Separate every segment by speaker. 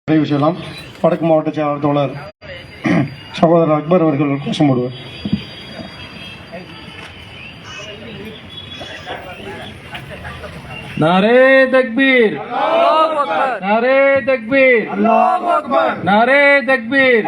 Speaker 1: விஷயம் வடக்கு மாவட்ட செயலாளர் தோழர் சகோதரர் அக்பர் அவர்கள் கோஷம் போடுவார்.
Speaker 2: नारे तकबीर, नारे तकबीर, नारे तकबीर,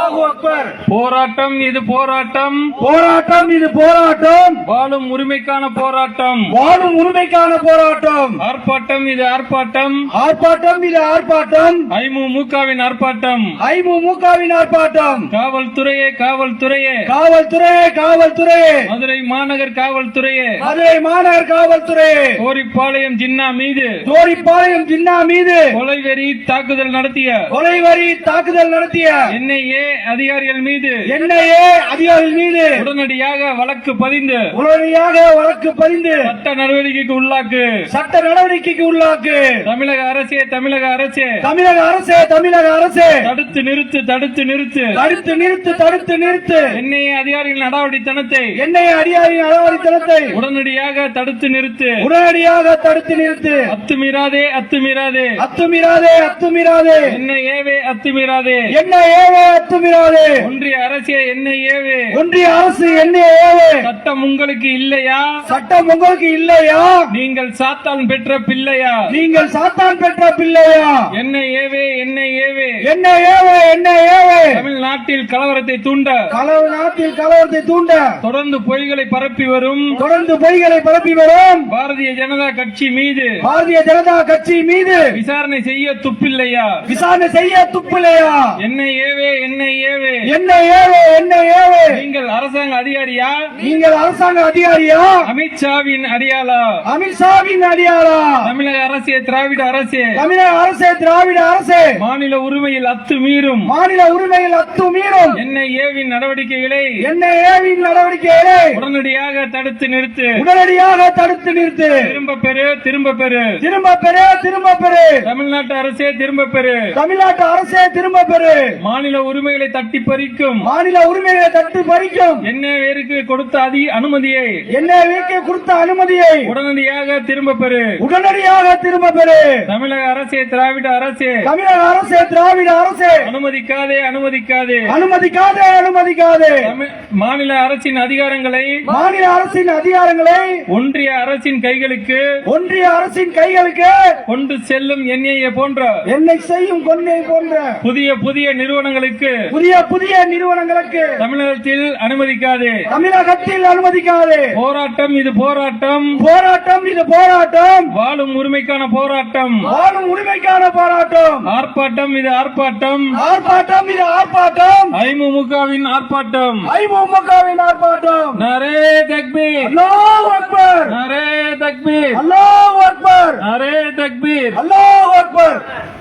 Speaker 2: போராட்டம் இது போராட்டம்,
Speaker 1: போராட்டம் இது போராட்டம்,
Speaker 2: வாழும் உரிமைக்கான போராட்டம்,
Speaker 1: வாழும் உரிமைக்கான போராட்டம்,
Speaker 2: ஆர்ப்பாட்டம் இது ஆர்ப்பாட்டம்,
Speaker 1: ஆர்ப்பாட்டம் இது ஆர்ப்பாட்டம்,
Speaker 2: ஐமுமுகவின் ஆர்ப்பாட்டம்,
Speaker 1: ஐமுமுகவின் ஆர்ப்பாட்டம்,
Speaker 2: காவல்துறையே காவல்துறையே,
Speaker 1: காவல்துறையே காவல்துறையே,
Speaker 2: மதுரை மாநகர் காவல்துறையே,
Speaker 1: மதுரை மாநகர் காவல்துறையே,
Speaker 2: கோரிப்பாளையம் ஜின்னா மீது,
Speaker 1: கோரிப்பாளையம் ஜின்னா மீது
Speaker 2: கொலைவெறி தாக்குதல் நடத்திய,
Speaker 1: கொலைவரி தாக்குதல் நடத்திய
Speaker 2: NIA அதிகாரிகள் மீது,
Speaker 1: NIA அதிகாரிகள் மீது
Speaker 2: உடனடியாக வழக்கு பதிந்து
Speaker 1: உடனடியாக வழக்கு பதிந்து
Speaker 2: சட்ட நடவடிக்கைக்கு உள்ளாக்கு,
Speaker 1: சட்ட நடவடிக்கைக்கு உள்ளாக்கு.
Speaker 2: தமிழக அரசே தமிழக அரசே,
Speaker 1: தமிழக அரசே தமிழக அரசே,
Speaker 2: தடுத்து நிறுத்து தடுத்து நிறுத்து,
Speaker 1: தடுத்து நிறுத்து தடுத்து நிறுத்து,
Speaker 2: NIA அதிகாரிகளின் நடவடித்தனத்தை
Speaker 1: NIA அதிகாரியின் அடாவடித்தனத்தை
Speaker 2: உடனடியாக தடுத்து நிறுத்து,
Speaker 1: உடனடியாக தடுத்து நிறுத்து,
Speaker 2: அத்துமீறாதே அத்துமீறாதே,
Speaker 1: அத்துமீறாதே அத்துமீறாதே,
Speaker 2: NIAவே அத்துமீறாதே,
Speaker 1: NIAவே அத்துமீறாதே,
Speaker 2: ஒன்றிய அரசே NIAவே,
Speaker 1: ஒன்றிய அரசு NIAவே,
Speaker 2: சட்டம் உங்களுக்கு இல்லையா?
Speaker 1: சட்டம் உங்களுக்கு இல்லையா?
Speaker 2: நீங்கள் சாத்தான் பெற்ற பிள்ளையா?
Speaker 1: நீங்கள் சாத்தான் பெற்ற பிள்ளையா?
Speaker 2: NIAவே NIAவே,
Speaker 1: NIAவே NIAவே,
Speaker 2: தமிழ்நாட்டில் கலவரத்தை தூண்ட,
Speaker 1: நாட்டில் கலவரத்தை தூண்ட
Speaker 2: தொடர்ந்து பொய்களை பரப்பி வரும்
Speaker 1: தொடர்ந்து பொய்களை பரப்பி வரும்
Speaker 2: பாரதிய ஜனதா கட்சி மீது
Speaker 1: பாரதிய ஜனதா கட்சி மீது
Speaker 2: விசாரணை செய்ய துப்பில்லையா?
Speaker 1: விசாரணை செய்ய துப்பில்லையா?
Speaker 2: NIAவே NIAவே,
Speaker 1: NIAவே NIAவே,
Speaker 2: நீங்கள் அரசாங்க அதிகாரியா?
Speaker 1: நீங்கள் அரசாங்க அதிகாரியா?
Speaker 2: அமித்ஷாவின் அடியாளா?
Speaker 1: அமித்ஷாவின் அடியாளா?
Speaker 2: தமிழக அரசே திராவிட அரசே,
Speaker 1: தமிழக அரசே திராவிட அரசே,
Speaker 2: மாநில உரிமையில் அத்துமீறும்
Speaker 1: மாநில உரிமையில் அத்துமீறும்
Speaker 2: NIAவின் நடவடிக்கைகளை
Speaker 1: NIAவின் நடவடிக்கைகளை
Speaker 2: உடனடியாக தடுத்து நிறுத்து,
Speaker 1: உடனடியாக தடுத்து நிறுத்து,
Speaker 2: திரும்ப பெறு திரும்ப பெறு,
Speaker 1: திரும்ப பெறு திரும்ப பெறு,
Speaker 2: தமிழ்நாட்டு அரசே திரும்ப பெறு,
Speaker 1: தமிழ்நாட்டு அரசே திரும்ப பெறு,
Speaker 2: மாநில உரிமைகளை தட்டி பறிக்கும்
Speaker 1: மாநில உரிமைகளை தட்டு பறிக்கும்
Speaker 2: NIAவிற்கு கொடுத்த அனுமதியை
Speaker 1: NIAவிற்கு கொடுத்த அனுமதியை
Speaker 2: உடனடியாக திரும்ப பெறு,
Speaker 1: உடனடியாக திரும்ப பெறு,
Speaker 2: தமிழக அரசே திராவிட அரசே,
Speaker 1: தமிழக அரசே திராவிட அரசே,
Speaker 2: அனுமதிக்காதே அனுமதிக்காதே,
Speaker 1: அனுமதிக்காதே அனுமதிக்காதே,
Speaker 2: மாநில அரசின் அதிகாரங்களை
Speaker 1: மாநில அரசின் அதிகாரங்களை
Speaker 2: ஒன்றிய அரசின் கைகளுக்கு
Speaker 1: ஒன்றிய அரசின் கைகளுக்கு
Speaker 2: கொண்டு செல்லும் NIA போன்ற
Speaker 1: என்னை செய்யும் கொன்னை போன்ற
Speaker 2: புதிய புதிய நிறுவனங்களுக்கு
Speaker 1: புதிய புதிய நிறுவனங்களுக்கு
Speaker 2: தமிழகத்தில் அனுமதிக்காதே,
Speaker 1: தமிழகத்தில் அனுமதிக்காதே.
Speaker 2: போராட்டம் இது போராட்டம்,
Speaker 1: போராட்டம் இது போராட்டம்,
Speaker 2: வாழும் உரிமைக்கான போராட்டம்,
Speaker 1: வாழும் உரிமைக்கான போராட்டம்,
Speaker 2: ஆர்ப்பாட்டம் இது ஆர்ப்பாட்டம்,
Speaker 1: ஆர்ப்பாட்டம் இது ஆர்ப்பாட்டம்,
Speaker 2: ஐமுமுகவின் ஆர்ப்பாட்டம்,
Speaker 1: ஐமுமுகவின் ஆர்ப்பாட்டம்.
Speaker 2: நாரே தக்பீர்,
Speaker 1: அல்லாஹ் அக்பர்,
Speaker 2: நாரே தக்பீர்,
Speaker 1: அல்லாஹ் அக்பர்,
Speaker 2: நாரே தக்பீர்,
Speaker 1: அல்லாஹ் அக்பர்.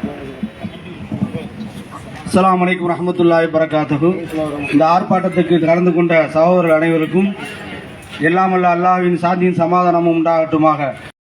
Speaker 1: அஸ்ஸலாமு அலைக்கும் வரஹ்மத்துல்லாஹி வபரகாத்துஹு. இந்த ஆர்ப்பாட்டத்துக்கு கலந்து கொண்ட சகோதரர்கள் அனைவருக்கும் எல்லாம் வல்ல அல்லாஹ்வின் சாந்தியும் சமாதானமும் உண்டாகட்டுமாக.